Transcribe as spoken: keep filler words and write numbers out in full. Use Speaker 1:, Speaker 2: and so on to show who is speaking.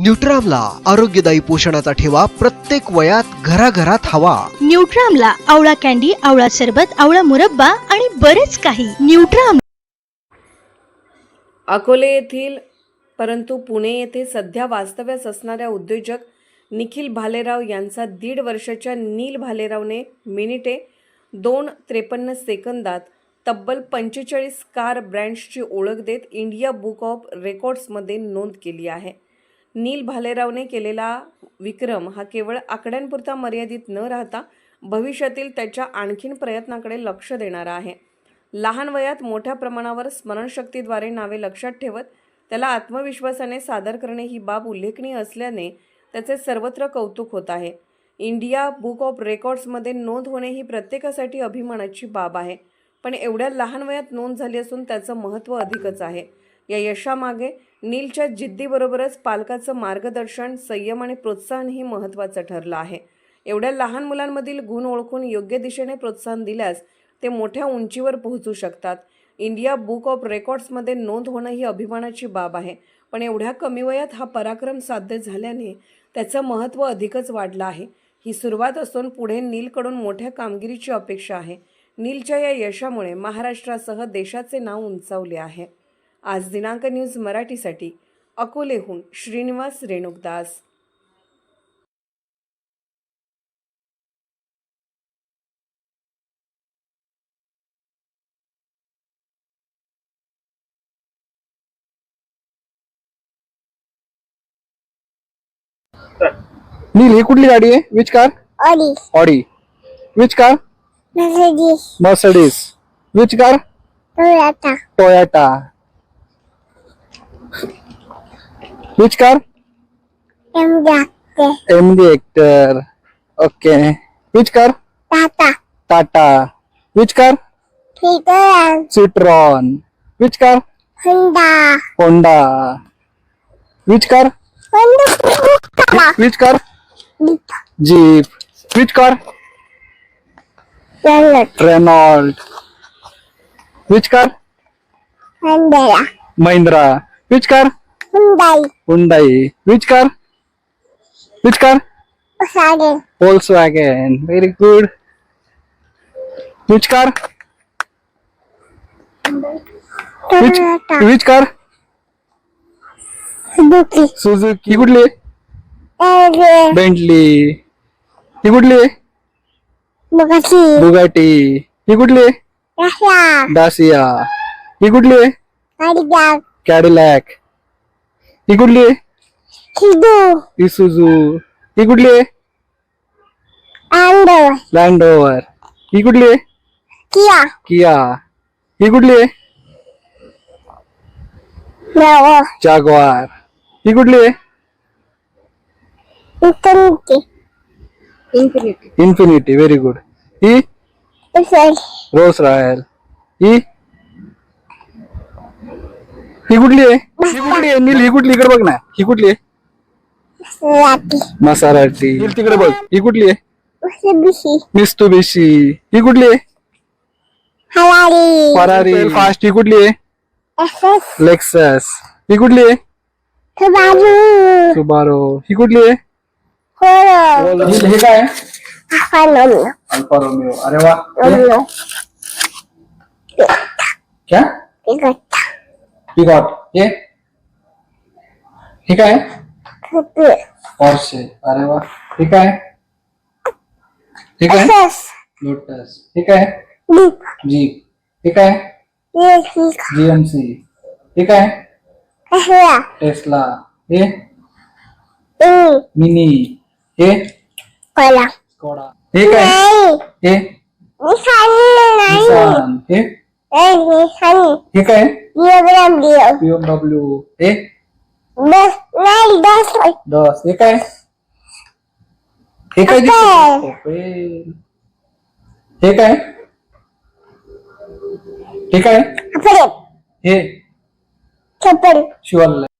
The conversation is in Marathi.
Speaker 1: न्यूट्रामला आरोग्यदायी पोषणाचा ठेवा प्रत्येक वयात घराघरात हवा।
Speaker 2: न्यूट्रामला आवळा कॅन्डी, आवळा सरबत, आवळा मुरब्बा आणि बरेच काही। न्यूट्राम।
Speaker 3: अकोले येथील परंतु पुणे येथे सध्या वास्तव्यास असणाऱ्या उद्योजक निखिल भालेराव यांचा दीड वर्षाच्या नील भालेरावने मिनिटे दोन त्रेपन्न सेकंदात तब्बल पंचेचाळीस कार ब्रँड्सची ओळख देत इंडिया बुक ऑफ रेकॉर्ड्समध्ये नोंद केली आहे। नील भालेरावने केलेला विक्रम हा केवळ आकड्यांपुरता मर्यादित न राहता भविष्यातील त्याच्या आणखीन प्रयत्नाकडे लक्ष देणारा आहे। लहान वयात मोठ्या प्रमाणावर स्मरणशक्तीद्वारे नावे लक्षात ठेवत त्याला आत्मविश्वासाने सादर करणे ही बाब उल्लेखनीय असल्याने त्याचे सर्वत्र कौतुक होत आहे। इंडिया बुक ऑफ रेकॉर्ड्समध्ये नोंद होणे ही प्रत्येकासाठी अभिमानाची बाब आहे, पण एवढ्या लहान वयात नोंद झाली असून त्याचं महत्त्व अधिकच आहे। या यशामागे नीलच्या जिद्दीबरोबरच पालकाचं मार्गदर्शन, संयम आणि प्रोत्साहनही महत्त्वाचं ठरलं आहे। एवढ्या लहान मुलांमधील गुण ओळखून योग्य दिशेने प्रोत्साहन दिल्यास ते मोठ्या उंचीवर पोहोचू शकतात। इंडिया बुक ऑफ रेकॉर्ड्समध्ये नोंद होणं ही अभिमानाची बाब आहे, पण एवढ्या कमी वयात हा पराक्रम साध्य झाल्याने त्याचं महत्त्व अधिकच वाढलं आहे। ही सुरुवात असून पुढे नीलकडून मोठ्या कामगिरीची अपेक्षा आहे। नीलच्या या यशामुळे महाराष्ट्रासह देशाचे नाव उंचावले आहे। आज दिनांक न्यूज मराठीसाठी अकोलेहून श्रीनिवास रेणुकदास।
Speaker 4: नील, ही कुठली गाडी आहे? Which car?
Speaker 5: Audi
Speaker 4: Audi. Which car?
Speaker 5: Mercedes
Speaker 4: Mercedes. Which car?
Speaker 5: Toyota
Speaker 4: Toyota. Which car?
Speaker 5: MG
Speaker 4: MG Hector. Okay. Which car?
Speaker 5: Tata
Speaker 4: Tata. Which car?
Speaker 5: Fitter
Speaker 4: Citroen. Which car?
Speaker 5: Honda
Speaker 4: Honda. Which car?
Speaker 5: Honda
Speaker 4: which car? Jeep. Which car?
Speaker 5: Renault
Speaker 4: Renault. Which car?
Speaker 5: Honda
Speaker 4: Mahindra. Which car?
Speaker 5: Hyundai
Speaker 4: Hyundai. Which car? Which car?
Speaker 5: Volkswagen
Speaker 4: Volkswagen. Very good. Which car? Which
Speaker 5: Toyota
Speaker 4: which car?
Speaker 5: Suzuki
Speaker 4: Suzuki. ही कुठली आहे?
Speaker 5: एव्हरे
Speaker 4: Bentley. ही कुठली आहे?
Speaker 5: Bugatti
Speaker 4: Bugatti. ही कुठली आहे?
Speaker 5: Russia
Speaker 4: Dacia. ही कुठली आहे?
Speaker 5: काडिगॅक
Speaker 4: Cadillac. ही कुठली आहे?
Speaker 5: हिदू
Speaker 4: Isuzu. ही कुठली आहे?
Speaker 5: अँडर
Speaker 4: Land Rover. ही कुठली आहे?
Speaker 5: KIA
Speaker 4: Kia. ही कुठली आहे?
Speaker 5: नवो
Speaker 4: Jaguar. ही कुठली आहे?
Speaker 5: इंटरनेटी
Speaker 4: Infinity. Very good. ही
Speaker 5: उसेल
Speaker 4: रोल्स रॉयल. ही ही कुठली आहे? ही कुठली आहे? नील, ही कुठली? इकडे बघ ना. ही कुठली आहे?
Speaker 5: राती
Speaker 4: मसाराटी. नील, तिकडे बघ. ही कुठली आहे?
Speaker 5: उसेबिशी
Speaker 4: मित्सुबिशी. ही कुठली आहे?
Speaker 5: हलारी
Speaker 4: फरारी. फास्ट. ही कुठली आहे?
Speaker 5: SS
Speaker 4: Lexus. ही कुठली आहे?
Speaker 5: सुबारू
Speaker 4: सुबारो. ही कुठली आहे?
Speaker 5: होरो
Speaker 4: नील, हे काय आहे?
Speaker 5: अफानोनो
Speaker 4: अल्फा रोमिओ. अरे वा.
Speaker 5: ओनो
Speaker 4: क्या?
Speaker 5: पिगोटा
Speaker 4: पिकॉट. हे हे काय आहे?
Speaker 5: कुपी
Speaker 4: पॉर्शे. अरे वा. हे काय आहे? हे काय आहे?
Speaker 5: एसएस
Speaker 4: लोटस. हे काय आहे?
Speaker 5: डीप
Speaker 4: जीप. हे काय आहे?
Speaker 5: येसिक
Speaker 4: जीएमसी. हे काय आहे?
Speaker 5: एसया
Speaker 4: टेस्ला. हे
Speaker 5: इन
Speaker 4: मिनी. हे
Speaker 5: कोला
Speaker 4: स्कोडा. हे काय?
Speaker 5: नाही
Speaker 4: हे
Speaker 5: निशानी नाही
Speaker 4: निसान. हे
Speaker 5: ए निशानी
Speaker 4: हे काय?
Speaker 5: डिओग्राम डिओ
Speaker 4: बीएमडब्ल्यू. हे
Speaker 5: बस नाही बस
Speaker 4: दस. हे काय? हे काय
Speaker 5: Opel.
Speaker 4: दिसतंय? Opel. हे काय? हे काय?
Speaker 5: अपरे
Speaker 4: हे
Speaker 5: चप्पल
Speaker 4: शिवाल.